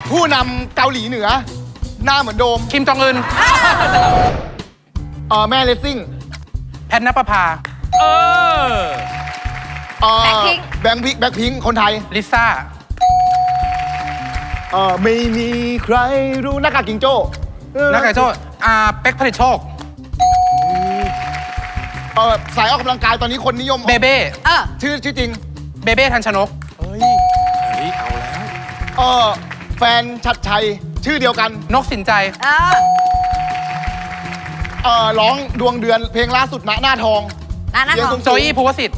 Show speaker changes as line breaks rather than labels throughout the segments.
ผู้นำเกาหลีเหนือ หน้าเหมือนโดม
คิมจองอึน
แม่เลสซิ่ง
แพทณปภา
แบงค์พิงค์คนไทย
ลิซ่า
ไม่มีใครรู้หน้ากากกิงโจ้
นักไก่โจ้เป็กผลิตโชค
สายออกกำลังกายตอนนี้คนนิยม
เบเบ้
ชื่อจริง
เบเบ้ทันชนก
แฟนชัดชัยชื่อเดียวกัน
นกสินใจ
ร้องดวงเดือนเพลงล่าสุดณหน้าทอง
หน้าทอง
โจอี้ภูวสิทธิ์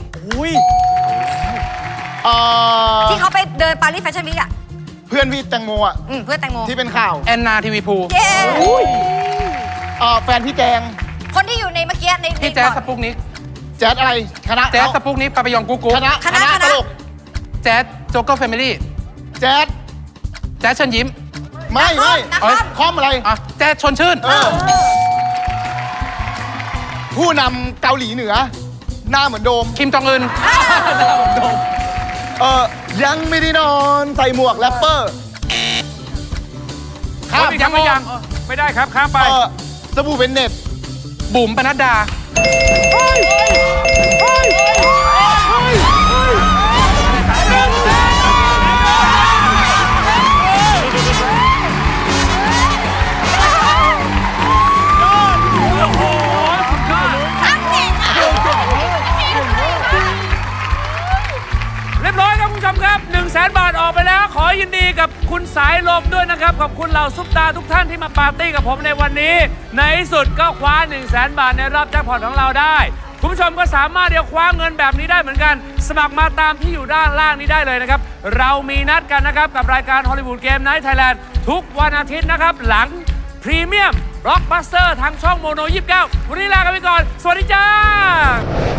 ที่เขาไปเดินปารีสแฟชั่นวีคอ่ะ
เพื่อนพี่แตงโมอ่ะ
เพื่อนแตงโม
ที่เป็นข่าว
แอนนาทีวีภู
เย้
แฟนพี่แจง
คนที่อยู่ในเมื่อกี้ใน
พี่แจ๊สสปุกนิก
แจ๊ดอะไรคณะ
แจ๊สสปุกนิกปาปยองกุ๊กกุ๊ก
คณะตลก
แจ๊สโจ๊กเกอร์แฟมิลี่
แจ๊ด
แจ๊สเชิญยิ้ม
ไม่ คอมอะไร
แจ๊สชวนชื่น
ผู้นำเกาหลีเหนือ หน้าเหมือนโดม
คิมจองอึน
ยังไม่ได้นอนใส่หมวกแรปเปอร์ข้าม
ยังไม่ได้ครับข้ามไป
สบู่เป็นเน็ต
บุ๋มปนัดดา
เรียบร้อยครับคุณผู้ชมครับ 100,000 บาทออกไปแล้ว ขอยินดีกับคุณสายลมด้วยนะครับ ขอบคุณเหล่าซุปตาทุกท่านที่มาปาร์ตี้กับผมในวันนี้ ในที่สุดก็คว้า 100,000 บาทในรอบแจ็คพอตของเราได้ คุณผู้ชมก็สามารถเดี๋ยวคว้าเงินแบบนี้ได้เหมือนกัน สมัครมาตามที่อยู่ด้านล่างนี้ได้เลยนะครับ เรามีนัดกันนะครับกับรายการฮอลลีวูดเกมไนท์ไทยแลนด์ทุกวันอาทิตย์นะครับหลังพรีเมียมบล็อกบัสเตอร์ทางช่องโมโน 29 วันนี้ลากันไปก่อน สวัสดีจ้า